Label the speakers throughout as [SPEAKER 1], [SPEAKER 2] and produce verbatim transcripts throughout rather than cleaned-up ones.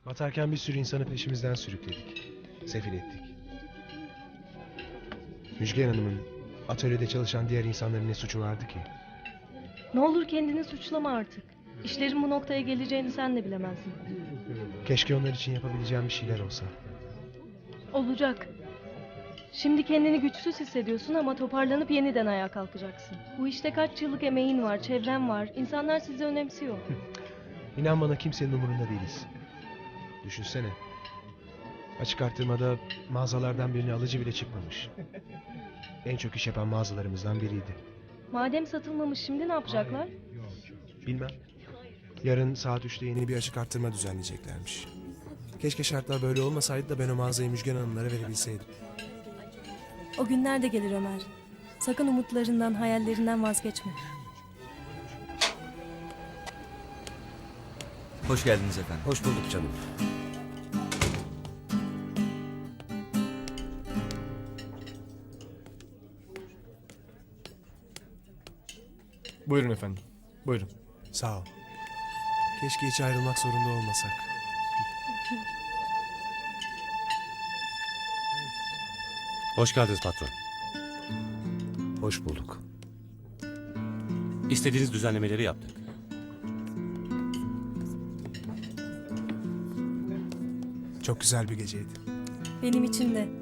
[SPEAKER 1] Batarken bir sürü insanı peşimizden sürükledik. Sefil ettik. Müjgan Hanım'ın atölyede çalışan diğer insanların ne suçu vardı ki?
[SPEAKER 2] Ne olur kendini suçlama artık. İşlerin bu noktaya geleceğini sen de bilemezdin.
[SPEAKER 1] Keşke onlar için yapabileceğim bir şeyler olsa.
[SPEAKER 2] Olacak. Şimdi kendini güçsüz hissediyorsun ama toparlanıp yeniden ayağa kalkacaksın. Bu işte kaç yıllık emeğin var, çevren var. İnsanlar sizi önemsiyor.
[SPEAKER 1] İnan bana kimsenin umurunda değiliz. Düşünsene. Açık arttırmada mağazalardan birine alıcı bile çıkmamış. En çok iş yapan mağazalarımızdan biriydi.
[SPEAKER 2] Madem satılmamış şimdi ne yapacaklar?
[SPEAKER 1] Bilmem. Yarın saat üçte yeni bir açık arttırma düzenleyeceklermiş. Keşke şartlar böyle olmasaydı da ben o mağazayı Müjgan Hanımlara verebilseydim.
[SPEAKER 2] O günler de gelir Ömer. Sakın umutlarından, hayallerinden vazgeçme.
[SPEAKER 3] Hoş geldiniz efendim.
[SPEAKER 4] Hoş bulduk canım.
[SPEAKER 5] Buyurun efendim. Buyurun.
[SPEAKER 1] Sağ ol. Keşke hiç ayrılmak zorunda olmasak.
[SPEAKER 4] Hoş geldiniz patron. Hoş bulduk. İstediğiniz düzenlemeleri yaptık.
[SPEAKER 1] Çok güzel bir geceydi.
[SPEAKER 2] Benim için de.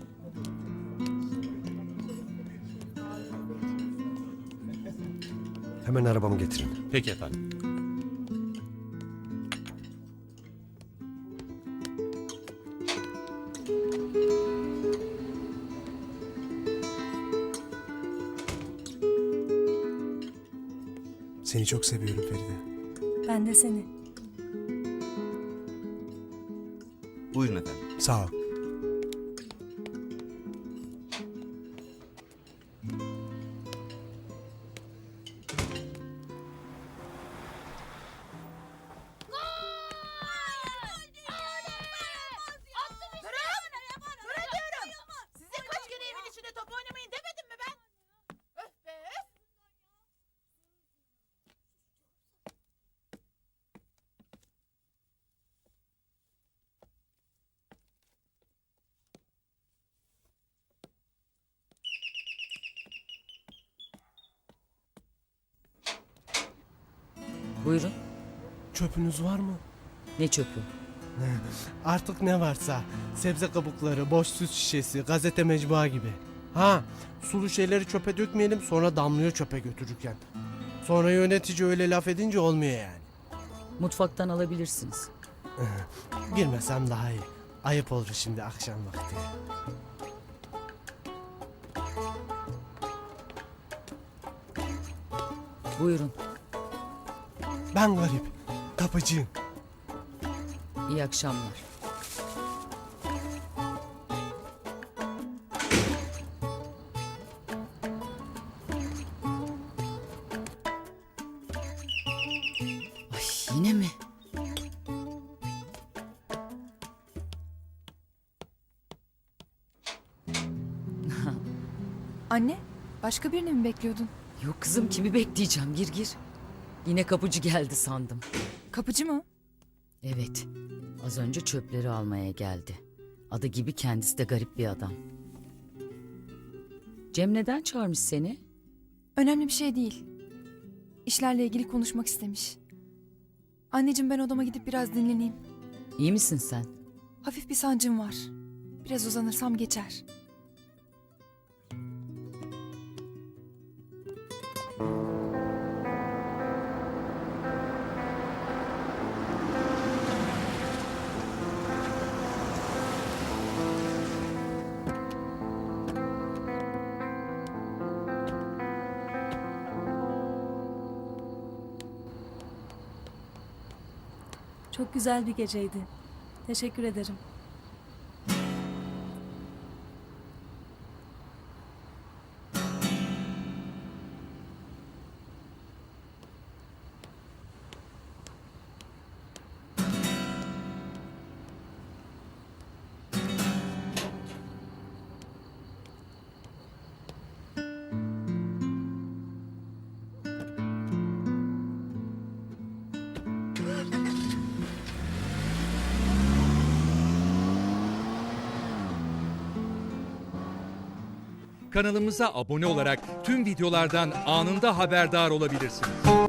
[SPEAKER 4] Hemen arabamı getirin. Peki efendim.
[SPEAKER 1] Seni çok seviyorum Feride.
[SPEAKER 2] Ben de seni.
[SPEAKER 3] Buyurun efendim.
[SPEAKER 1] Sağ ol.
[SPEAKER 6] Size kaç kere evin içinde top oynamayın demedim mi ben? Öf be öf!
[SPEAKER 7] Buyurun.
[SPEAKER 8] Çöpünüz var mı?
[SPEAKER 7] Ne çöpü?
[SPEAKER 8] Artık ne varsa. Sebze kabukları, boş süt şişesi, gazete mecbua gibi. Ha, sulu şeyleri çöpe dökmeyelim sonra damlıyor çöpe götürürken. Sonra yönetici öyle laf edince olmuyor yani.
[SPEAKER 7] Mutfaktan alabilirsiniz.
[SPEAKER 8] Girmesem daha iyi. Ayıp olur şimdi akşam vakti.
[SPEAKER 7] Buyurun.
[SPEAKER 8] Ben garip. Kapıcıyım.
[SPEAKER 7] İyi akşamlar. Ay yine mi?
[SPEAKER 9] Anne, başka birini mi bekliyordun?
[SPEAKER 7] Yok kızım kimi bekleyeceğim gir gir. Yine kapıcı geldi sandım.
[SPEAKER 9] Kapıcı mı?
[SPEAKER 7] Evet. Az önce çöpleri almaya geldi. Adı gibi kendisi de garip bir adam. Cem neden çağırmış seni?
[SPEAKER 9] Önemli bir şey değil. İşlerle ilgili konuşmak istemiş. Anneciğim ben odama gidip biraz dinleneyim.
[SPEAKER 7] İyi misin sen?
[SPEAKER 9] Hafif bir sancım var. Biraz uzanırsam geçer.
[SPEAKER 2] Çok güzel bir geceydi. Teşekkür ederim.
[SPEAKER 10] Kanalımıza abone olarak tüm videolardan anında haberdar olabilirsiniz.